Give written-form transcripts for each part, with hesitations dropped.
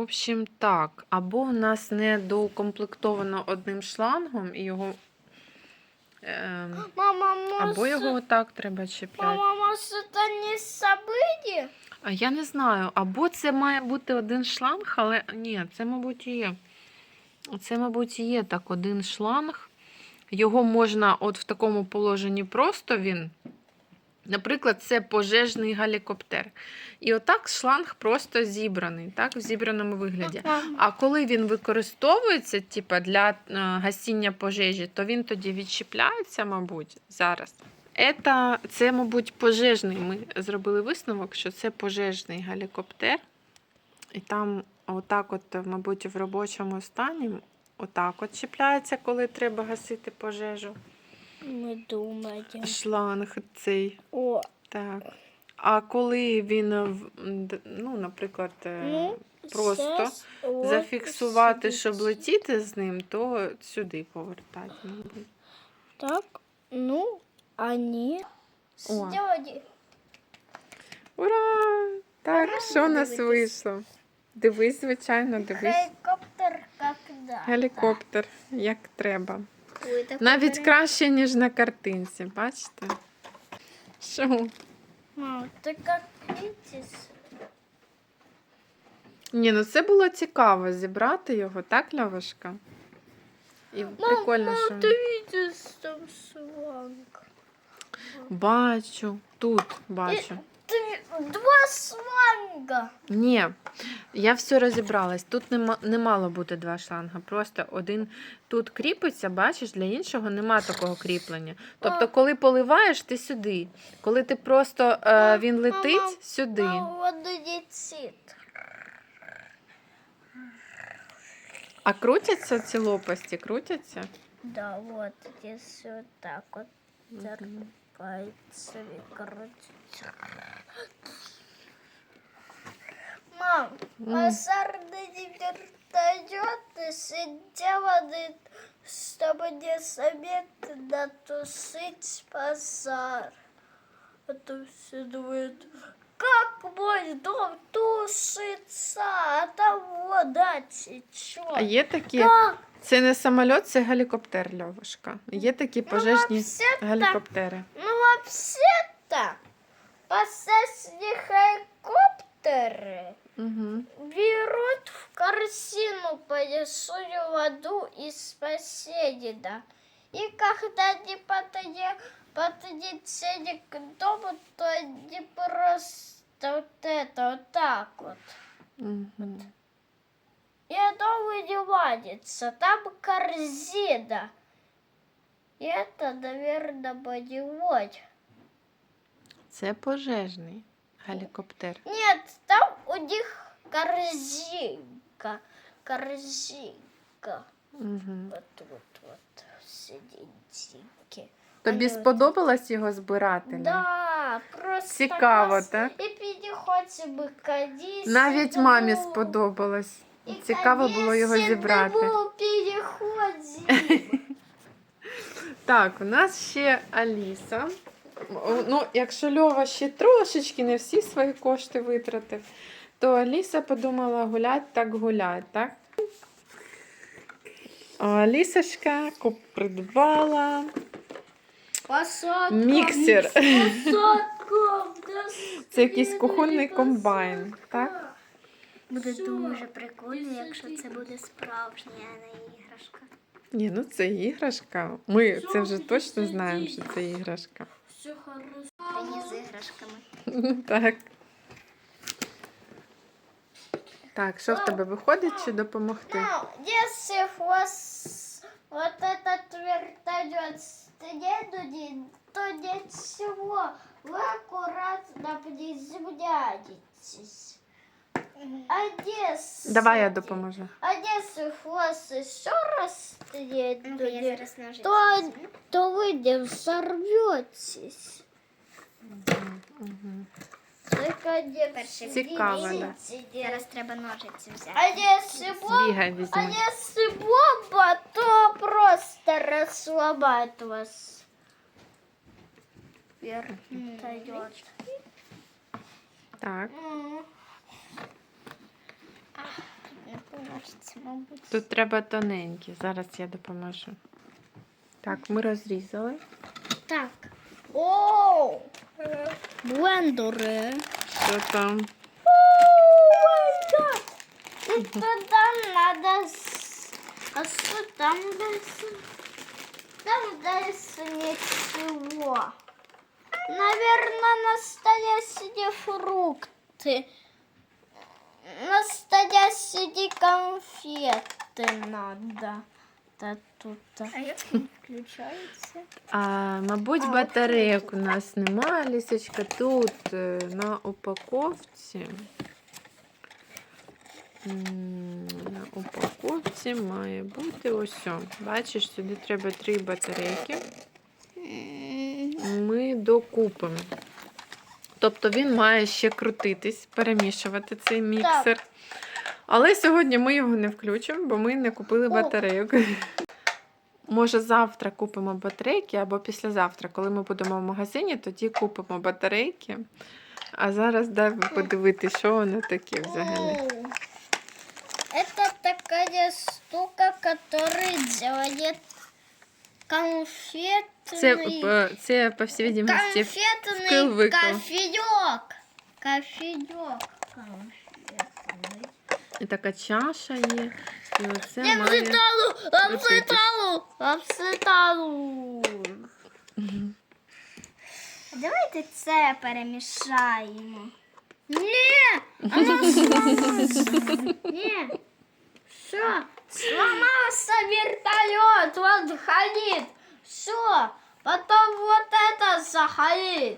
общем, так. Або у нас не доукомплектовано одним шлангом, і його. Мама, Або його может, отак треба чіпляти. мама, может, это не событие? А я не знаю, або це має бути один шланг, але ні, це, мабуть, і є. Це, мабуть, і є так, один шланг. Його можна от в такому положенні просто він. Наприклад, це пожежний гелікоптер. І отак шланг просто зібраний, так, в зібраному вигляді. А коли він використовується типу, для гасіння пожежі, то він тоді відчіпляється, мабуть, зараз. Це, мабуть, пожежний. Ми зробили висновок, що це пожежний гелікоптер. І там отак от, мабуть, в робочому стані отак от чіпляється, коли треба гасити пожежу. Мы думаем. Шланг цей. О, Так. А коли він, ну, наприклад, просто сейчас вот зафіксувати, сидит. щоб летіти з ним, то сюди повертати. мабуть. Так, ну, они О. сделали. Ура! Так, що у нас дивитись. вийшло? Дивись, звичайно, дивись. Геликоптер когда? Гелікоптер, як треба. Ой, такой Навіть прям- краще, ніж на картинці, бачите? Що? Мам, ты как видишь? Ні, ну це було цікаво зібрати його, так, Льовушка? І прикольно, що... Ты видишь там шланг? Бачу, тут бачу. Два шланга. Ні, я все розібралась. Тут не мало бути два шланга. Просто один тут кріпиться, бачиш, для іншого нема такого кріплення. Тобто, коли поливаєш, ти сюди. Коли ти просто він летить, сюди. Воду летит. А крутяться ці лопасті? Крутяться? Да, вот здесь вот так вот теркается и крутится. Мам, посадный вертолет сделаны, чтобы не заметно тушить пожар. А то все думают, как мой дом тушится, а там вода течет. А є такі, Как? це не самоліт, це гелікоптер, Льовушка. Є такі пожежні вообще-то- гелікоптери. Ну, вообще-то, посадочные геликоптеры Угу. берут в корзину большую воду из соседа. И когда они подлетели к дому, то они просто вот это, вот так вот. Угу. И оно вынимается, там корзина. И это, наверное, бодиводь. Це пожежний гелікоптер. Нет, там у них корзинка. Корзинка. Угу. Вот серединке. Тобі Вони сподобалось його збирати? Ля? Да, просто Цікаво, клас. так? І переходимо кадісь. Навіть мамі сподобалось. Цікаво було його зібрати. Переходимо. Так, у нас ще Аліса. Ну, якщо Льова ще трошечки не всі свої кошти витратив, то Аліса подумала гулять так гулять, так? А Алісочка придбала Посадка. міксер. Посадка. Це якийсь кухонний комбайн, так? Буде дуже прикольно, якщо це буде справжня, а не іграшка. Ні, ну це іграшка. Ми це вже точно знаємо, що це іграшка. Все хорошо. А не з іграшками. Ну так. Так, що в тебе виходить чи допомогти? Ну, если вот этот вертолет следует, то ничего, вы аккуратно приземляетесь. А если... Давай я допоможу. А если хвост еще раз следует, то вы не взорветесь. Только не Цікаво, да. Зараз треба ножиці взяти. Збігай, А візьми. если бомба, то просто расслабит вас. Вертолет. Так. упаковці, мабуть. Тут треба тоненькі. Зараз я допоможу. Так, ми розрізали. Так. О! Блендери. Що там? И туда надо... А что там дальше? Там дальше ничего. Наверное, настоящие фрукты. Настоящие конфеты надо. Та тут. А як він включається? Мабуть, батарейок у нас немає, Лісочка. Тут на упаковці. На упаковці має бути ось. Бачиш, сюди треба 3 батарейки. Ми докупимо. Тобто він має ще крутитись, перемішувати цей міксер. Але сьогодні ми його не включимо, бо ми не купили батарейок. Може, завтра купимо батарейки або післязавтра, коли ми будемо в магазині, тоді купимо батарейки. А зараз дай подивитися, що воно таке взагалі. Это такая штука, которая делает конфетный... Це по всій видимості, Конфетный вкл-викл. кофеек. Кофеек конфетный. І така чаша є. І оце має... Обситалу. Давайте це перемішаємо. Ні! Ні! Що? Сломался вертолет, вот горит. Все, потом вот это загорит.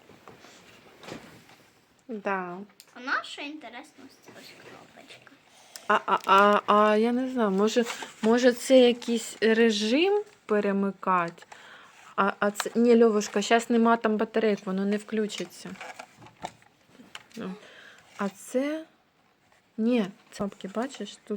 Да. А наша інтересна ось кнопочка. Я не знаю, може це якийсь режим перемикати? Це... Ні, Льовушка, зараз нема там батарейок, воно не включиться. А це... Ні, це кнопки, бачиш, тут...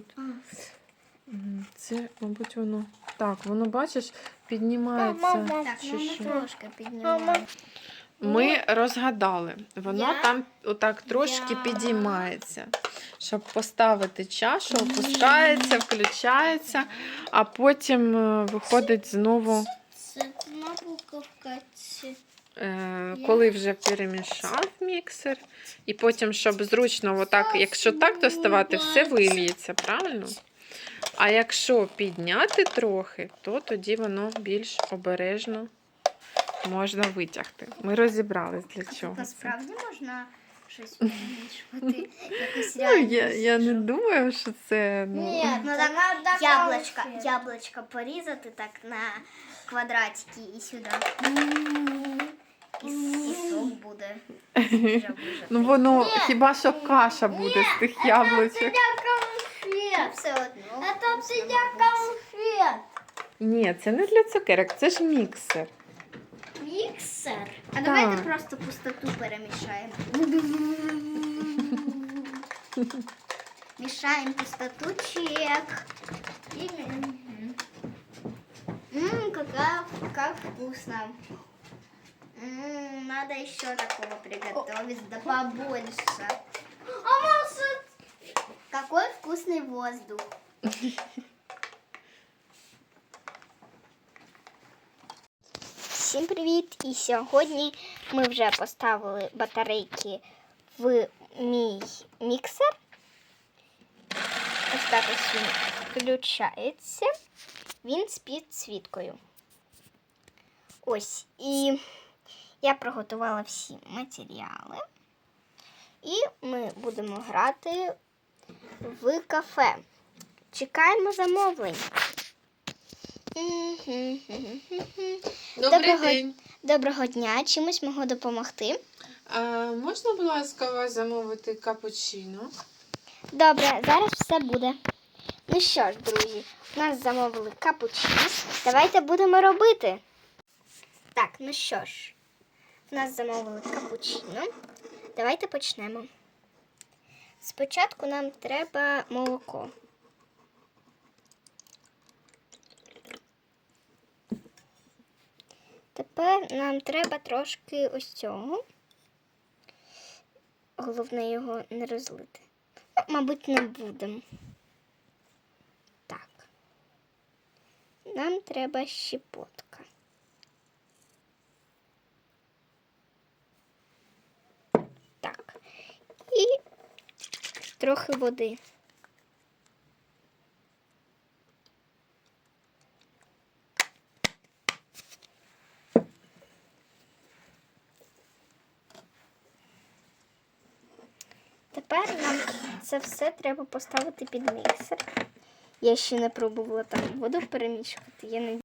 Це, мабуть, воно... Так, воно, бачиш, піднімається. Так, чи ну що? ми трошки піднімаємо. Ми розгадали. Воно Я- там отак трошки Я- підіймається. Щоб поставити чашу, опускається, включається, а потім виходить знову, Це одна буковка. коли вже перемішав міксер. І потім, щоб зручно, отак, якщо так доставати, все вильється, правильно? А якщо підняти трохи, то тоді воно більш обережно можна витягти. Ми розібрались, для чого це. Насправді можна щось перемішувати. Якось Я не думаю, що це... Ні, ну так яблочко порізати так на квадратики і сюди. І сок буде. Ну воно хіба що каша буде з тих яблучок. конфет. Все одно. Це для конфет. Ні, це не для цукерок, це ж міксер. Міксер. А Так. давайте просто пустоту перемішаємо. Мешаем пустоту, чек. Как вкусно. Надо еще такого приготовить, да побольше. А может... Какой вкусный воздух. Всім привіт! І сьогодні ми вже поставили батарейки в мій міксер. Ось так ось він включається. Він з підсвіткою. Ось. І я приготувала всі матеріали. І ми будемо грати в кафе. Чекаємо замовлень. Доброго дня. Чимось можу допомогти? Можна, будь ласка, вас замовити капучино? Добре, зараз все буде. Ну що ж, друзі, у нас замовили капучино. Давайте будемо робити. Так, ну що ж, у нас замовили капучино. Давайте почнемо. Спочатку нам треба молоко. Тепер нам треба трошки ось цього. Головне його не розлити. Мабуть, не будемо. нам треба щепотка. Так. І трохи води. Тепер нам це все треба поставити під міксер. Я ще не пробувала там воду перемішувати. Я не